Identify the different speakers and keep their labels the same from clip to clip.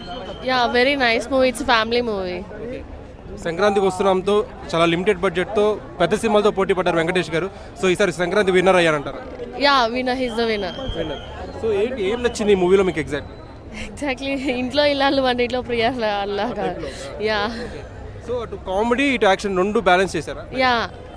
Speaker 1: Yeah, very nice movie. It's a family movie.
Speaker 2: సంక్రాంతికి వస్తున్నాంతో చాలా limited బడ్జెట్తో పెద్ద సినిమాలతో పోటీ పడ్డారు వెంకటేష్ గారు. సో ఈసారి సంక్రాంతి విన్నర్ అయ్యారంటారు.
Speaker 1: Yeah, winner. He's the winner.
Speaker 2: So ఏంటి ఏం నచ్చింది ఈ మూవీలో మీకు ఎగ్జాక్ట్?
Speaker 1: Exactly. ఇంట్లో ఇల్లాలు వంటి ఇంట్లో ప్రియ అల్లాగా. యా
Speaker 2: సో అటు కామెడీ ఇటు యాక్షన్ రెండు బ్యాలెన్స్ చేశారా?
Speaker 1: యా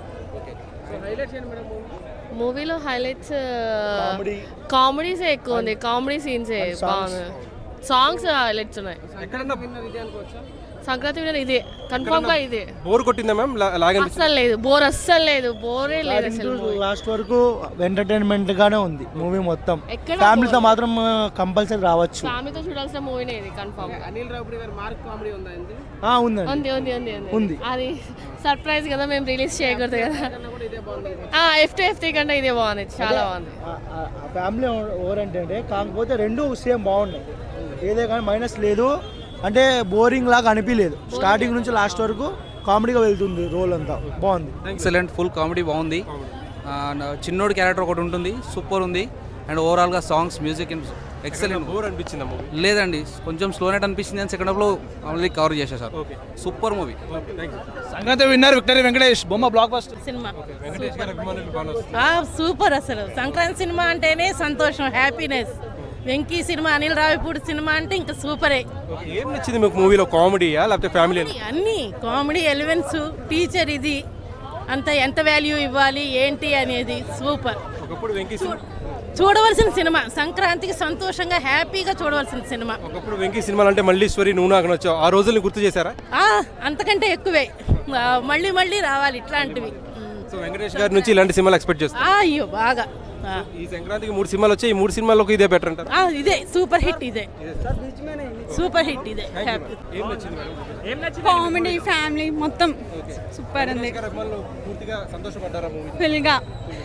Speaker 1: మూవీలో హైలైట్స్ కామెడీసే ఎక్కువ ఉంది. కామెడీ సీన్సే బాగుంది. సాంగ్స్ హైలైట్స్ ఉన్నాయి.
Speaker 2: ఎక్కడన్నా
Speaker 1: సంక్రాంతి విన్నర్ ఇదే, కన్ఫర్మ్ గా ఇదే.
Speaker 2: బోర్ కొట్టిందా మ్యామ్?
Speaker 1: అస్సలు లేదు, బోర్ అస్సలు లేదు, బోరే లేదు అసలు.
Speaker 3: లాస్ట్ వరకు ఎంటర్టైన్మెంట్ గానే ఉంది మూవీ మొత్తం. ఫ్యామిలీతో మాత్రం కంపల్సరీ రావచ్చు.
Speaker 1: ఫ్యామిలీతో చూడాల్సిన మూవీనే ఇది కన్ఫర్మ్.
Speaker 4: అనిల్ రావుపూడి గారి మార్క్ కామెడీ ఉందా?
Speaker 3: ఉందండి.
Speaker 1: ఉంది ఉంది ఉంది ఉంది. అది సర్ప్రైజ్ కదా, మేము రిలీజ్ చేయకూడదు కదా. FT కంటే ఇదే బాగుంది, చాలా బాగుంది.
Speaker 3: ఫ్యామిలీ ఓరియంటెడ్ కాకపోతే రెండు సేమ్ బాగున్నాయి. ఏదే కానీ మైనస్ లేదు, అంటే బోరింగ్ లాగా అనిపించలేదు. స్టార్టింగ్ నుంచి లాస్ట్ వరకు కామెడీగా వెళ్తుంది రోల్ అంతా. బాగుంది,
Speaker 5: ఎక్సలెంట్, ఫుల్ కామెడీ బాగుంది. చిన్నోడి క్యారెక్టర్ ఒకటి ఉంటుంది, సూపర్ ఉంది. అండ్ ఓవరాల్గా సాంగ్స్, మ్యూజిక్ ఎక్సలెంట్.
Speaker 2: బోర్ అనిపించిందా మూవీ?
Speaker 5: లేదండి, కొంచెం స్లోనెట్ అనిపించింది అని సెకండ్ హాఫ్లో ఆల్రెడీ కవర్ చేసేసారు. Super movie.
Speaker 6: Sankranti winner victory Venkatesh. బొమ్మ బ్లాక్ బస్టర్
Speaker 1: సినిమా
Speaker 2: వెంకటేష్ గారి అభిమానులు బాగా
Speaker 7: సూపర్. అసలు సంక్రాంతి సినిమా అంటేనే సంతోషం, happiness. Venky cinema, Anil Ravipudi cinema అంటే ఇంకా సూపరే.
Speaker 2: ఏం నచ్చింది మీకు మూవీలో? కామెడీయా లేకపోతే ఫ్యామిలీ?
Speaker 7: అన్ని కామెడీ ఎలిమెంట్స్, టీచర్ ఇది అంత ఎంత వాల్యూ ఇవ్వాలి ఏంటి అనేది సూపర్.
Speaker 2: ఒకప్పుడు వెంకీ
Speaker 7: చూడవలసిన సినిమా, సంక్రాంతికి సంతోషంగా హ్యాపీగా చూడవలసిన సినిమా.
Speaker 2: ఒకప్పుడు వెంకీ సినిమాలు అంటే మల్లీశ్వరి, నువ్వు నాకు నచ్చావు, ఆ రోజుల్ని గుర్తు చేశారా?
Speaker 7: అంతకంటే ఎక్కువే, మళ్ళీ మళ్ళీ రావాలి ఇట్లాంటివి.
Speaker 2: సో వెంకటేష్ గారి నుంచి ఇలాంటి సినిమాలు ఎక్స్పెక్ట్ చేస్తాను.
Speaker 7: అయ్యో బాగా.
Speaker 2: ఈ సంక్రాంతికి 3 సినిమాలు వచ్చాయి, ఈ 3 సినిమాలకు ఇదే బెటర్ అంటారు.
Speaker 7: ఇదే సూపర్ హిట్, ఇదే సూపర్ హిట్, ఇదే హ్యాపీ.
Speaker 2: ఏం నచ్చింది మేడం?
Speaker 8: కామెడీ, ఫ్యామిలీ మొత్తం సూపర్ ఉంది.
Speaker 2: వెంకటేష్ గారి అభిమానులు పూర్తిగా సంతోషపడ్డారా మూవీ?
Speaker 8: ఫుల్గా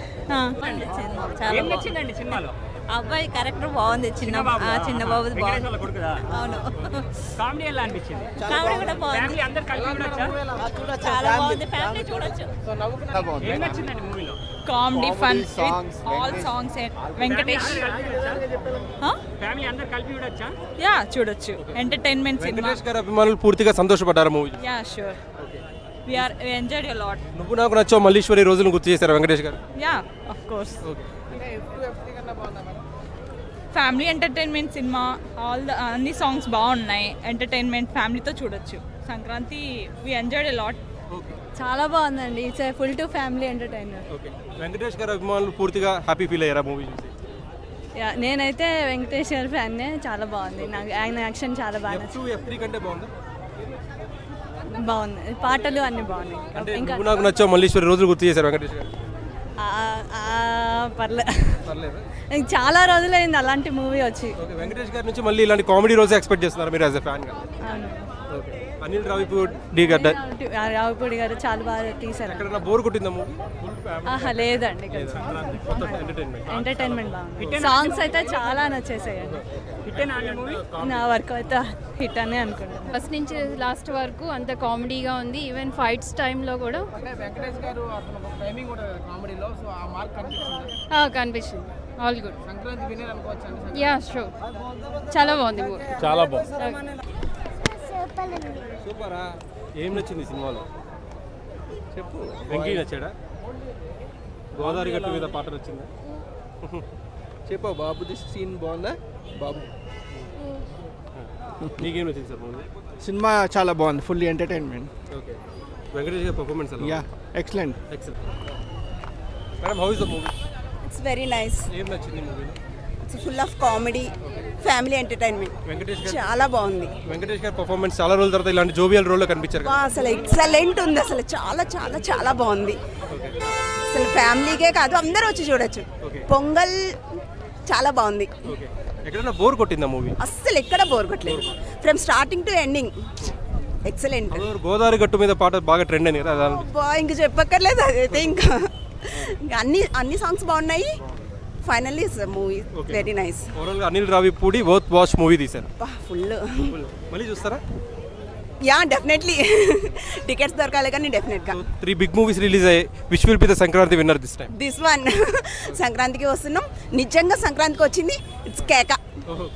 Speaker 4: ఏం నచ్చిందండి సినిమాలో?
Speaker 8: అబ్బాయి క్యారెక్టర్ బాగుంది, చిన్న బాబు బాగుంది. అవును,
Speaker 4: కామెడీ ఎలా అనిపించింది?
Speaker 8: కామెడీ కూడా బాగుంది,
Speaker 4: ఫ్యామిలీ అందరు కలిపి చూడొచ్చా?
Speaker 8: చాలా బాగుంది. ఫ్యామిలీ చూడొచ్చు.
Speaker 4: ఏం నచ్చిందండి మూవీలో?
Speaker 8: Comedy, fun, all songs. Venkatesh
Speaker 4: family అందరు కలిపి చూడొచ్చా?
Speaker 8: యా చూడొచ్చు. Entertainment cinema.
Speaker 2: వెంకటేష్ గారి అభిమానులు పూర్తిగా సంతోషపడ్డారా movie?
Speaker 8: Yeah sure, we enjoyed a lot.
Speaker 2: నువ్వు నాకు నచ్చావు, మల్లీశ్వరి రోజులను గుర్తు చేశారు Venkatesh garu.
Speaker 8: Yeah of course. Family entertainment cinema, అన్ని సాంగ్స్ బాగున్నాయి. ఎంటర్టైన్మెంట్, ఫ్యామిలీతో చూడొచ్చు. Sankranti we enjoyed a lot.
Speaker 9: చాలా బాగుందండి. It's full to family entertainer.
Speaker 2: Okay, Venkatesh గారి అభిమానులు పూర్తిగా హ్యాపీ ఫీల్ అయ్యారా మూవీ చూసి?
Speaker 9: యా, నేనైతే వెంకటేష్ గారి ఫ్యాన్నే. చాలా బాగుంది, నాకు ఆయన యాక్షన్ చాలా బాగా నచ్చింది.
Speaker 2: F3 కంటే బాగుందా?
Speaker 9: బాగుంది, పాటలు అన్ని బాగున్నాయి.
Speaker 2: అంటే
Speaker 9: ఇంకా
Speaker 2: నువ్వు నాకు నచ్చావు, మల్లీశ్వరి రోజులు గుర్తు చేశారు వెంకటేష్ గారు.
Speaker 9: పర్లేదు,
Speaker 2: పర్లేదా?
Speaker 9: చాలా రోజులైంది అలాంటి మూవీ వచ్చి.
Speaker 2: ఓకే, వెంకటేష్ గారి నుంచి మళ్ళీ ఇలాంటి కామెడీ రోజు ఎక్స్పెక్ట్ చేస్తున్నారు మీరు యాజ్ ఎ ఫ్యాన్ గా?
Speaker 9: అవును.
Speaker 2: ఓకే, అనిల్ రావిపూడి గారు,
Speaker 9: రావుపూడి గారు చాలా బాగా తీశారు.
Speaker 2: ఎక్కడన్నా బోర్ కొట్టిందా మూవీ?
Speaker 9: లేదండి, ఎంటర్టైన్మెంట్ బాగుంది. సాంగ్స్ అయితే చాలా నచ్చేసాయండి. నా వరకు అయితే హిట్ అనే అనుకుంటాను.
Speaker 10: ఫస్ట్ నుంచి లాస్ట్ వరకు అంత కామెడీగా ఉంది. ఈవెన్ ఫైట్స్ టైంలో కూడా
Speaker 4: వెంకటేష్ గారు టైమింగ్ కూడా కామెడీలో, సో ఆ మార్క్ కనిపించింది.
Speaker 10: కనిపించింది. All good.
Speaker 4: సంక్రాంతి విన్నర్ అనుకోవచ్చు.
Speaker 10: యా షూర్, చాలా బాగుంది మూవీ.
Speaker 2: చాలా బాగుంది. సూపరా. ఏం నచ్చింది సినిమాలో చెప్పు? వెంకీ నచ్చాడా? గోదావరి గట్టు మీద పాట నచ్చిందా?
Speaker 6: చెప్పా బాబుది సీన్ బాగుందా బాబు?
Speaker 2: నీకేం నచ్చింది సార్ మూవీ?
Speaker 3: సినిమా చాలా బాగుంది, ఫుల్లీ ఎంటర్టైన్మెంట్.
Speaker 2: ఓకే, వెంకటేష్ గారి పర్ఫార్మెన్స్ ఎలా?
Speaker 3: Yeah excellent.
Speaker 2: Madam, how is the movie?
Speaker 11: It's very nice.
Speaker 2: ఏం నచ్చింది మూవీలో?
Speaker 11: It's full of comedy, family entertainment.
Speaker 2: Venkatesh garu
Speaker 11: చాలా బాగుంది.
Speaker 2: వెంకటేష్ గారి పర్ఫార్మెన్స్ చాలా రోజుల తర్వాత ఇలాంటి జోవియల్ రోల్లో కనిపించారు కదా.
Speaker 11: అసలు ఎక్సలెంట్ ఉంది, అసలు చాలా చాలా చాలా బాగుంది. అసలు ఫ్యామిలీకే కాదు, అందరూ వచ్చి చూడొచ్చు. పొంగల్ చాలా బాగుంది.
Speaker 2: ఓకే, ఎక్కడైనా బోర్ కొట్టిందా మూవీ?
Speaker 11: అస్సలు ఎక్కడ బోర్ కొట్టలేదు, from starting to ending excellent.
Speaker 2: Godavari గట్టు మీద పాట బాగా ట్రెండ్ అని కదా.
Speaker 11: ఇంక చెప్పక్కర్లేదు, అదైతే ఇంకా అన్ని సాంగ్స్ బాగున్నాయి. Finally movie very nice.
Speaker 2: Overall గా Anil Ravipudi worth watch movie తీశారు.
Speaker 11: ఫుల్.
Speaker 2: మళ్ళీ చూస్తారా?
Speaker 11: Yeah definitely. టికెట్స్ దొరకాలి కానీ డెఫినెట్గా.
Speaker 2: 3 బిగ్ మూవీస్ రిలీజ్ అయ్యాయి. Which will be the Sankranti winner this time?
Speaker 11: This one. సంక్రాంతికి వస్తున్నాం, నిజంగా సంక్రాంతికి వచ్చింది. ఇట్స్ కేక.